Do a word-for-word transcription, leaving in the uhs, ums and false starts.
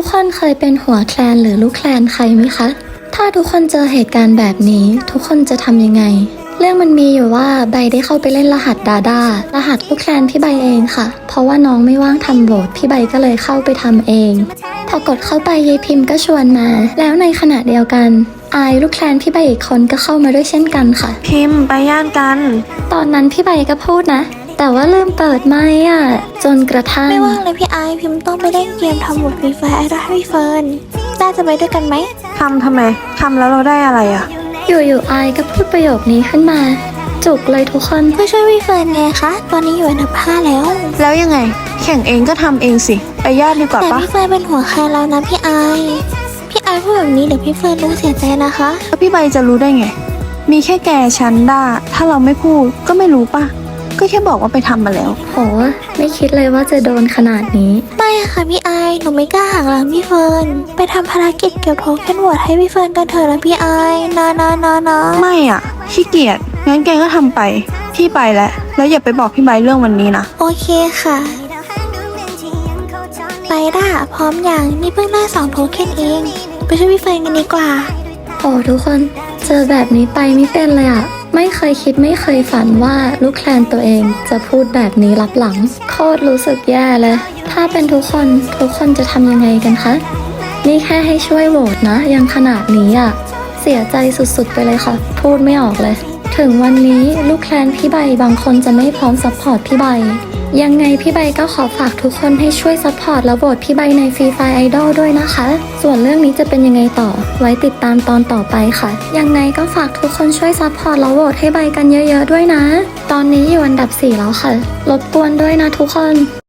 กคนเคยเป็นหัวแคลนหรือลูกแคลนใครไหมคะถ้าทุกคนเจอเหตุการณ์แบบนี้ทุกคนจะทำยังไงเรื่องมันมีอยู่ว่าใบได้เข้าไปเล่นรหัสดาดารหัสลูกแคลนพี่ใบเองค่ะเพราะว่าน้องไม่ว่างทำโหวตพี่ใบก็เลยเข้าไปทำเองพอกดเข้าไปยายพิมพ์ก็ชวนมาแล้วในขณะเดียวกันอายลูกแคลนพี่ใบอีกคนก็เข้ามาด้วยเช่นกันค่ะพิมพ์ไปย่านกันตอนนั้นพี่ใบก็พูดนะแต่ว่าลืมเปิดไมค์อ่ะจนกระทั่งไม่ว่างเลยพี่ไอพิมพ์ต้องไปเล่นเกมทำบทฟรีไฟไอดอลให้พี่เฟิร์นน่าจะไปด้วยกันไหมทำทำไมทำแล้วเราได้อะไรอ่ะอยู่ๆไอก็พูดประโยคนี้ขึ้นมาจุกเลยทุกคนก็ช่วยพี่เฟิร์นไงคะตอนนี้อยู่อันดับห้าแล้วแล้วยังไงแข่งเองก็ทำเองสิไปย่านดีกว่าปะแต่พี่เฟิร์นเป็นหัวใครแล้วนะพี่ไอพี่ไอพูดแบบนี้เดี๋ยวพี่เฟิร์นรู้เสียใจนะคะแล้วพี่ใบจะรู้ได้ไงมีแค่แกฉันด้าถ้าเราไม่พูดก็ไม่รู้ปะก็แค่บอกว่าไปทำมาแล้วโหไม่คิดเลยว่าจะโดนขนาดนี้ไม่ค่ะพี่ไอหนูไม่กล้าหักหลังพี่เฟิร์นไปทำภารกิจเก็บโทเค็นโหวตให้พี่เฟิร์นกันเถอะนะพี่ไอนะนะนะนะไม่อ่ะขี้เกียจงั้นแกก็ทำไปพี่ไปแล้วแล้วอย่าไปบอกพี่ใบเรื่องวันนี้นะโอเคค่ะไปด้าพร้อมอย่างนี่เพิ่งได้สองโทเค็นเองไปช่วยพี่เฟิร์นกันดีกว่าโอ้ทุกคนเจอแบบนี้ไปไม่เป็นเลยอะไม่เคยคิดไม่เคยฝันว่าลูกแคลนตัวเองจะพูดแบบนี้ลับหลังโคตรรู้สึกแย่เลยถ้าเป็นทุกคนทุกคนจะทำยังไงกันคะนี่แค่ให้ช่วยโหวตนะยังขนาดนี้อะเสียใจสุดๆไปเลยค่ะพูดไม่ออกเลยถึงวันนี้ลูกแคลนพี่ใบบางคนจะไม่พร้อมซัพพอร์ตพี่ใบยังไงพี่ใบก็ขอฝากทุกคนให้ช่วยซัพพอร์ตและโหวตพี่ใบในฟรีไฟไอดอลด้วยนะคะส่วนเรื่องนี้จะเป็นยังไงต่อไว้ติดตามตอนต่อไปค่ะยังไงก็ฝากทุกคนช่วยซัพพอร์ตและโหวตให้ใบกันเยอะๆด้วยนะตอนนี้อยู่อันดับสี่แล้วค่ะรบกวนด้วยนะทุกคน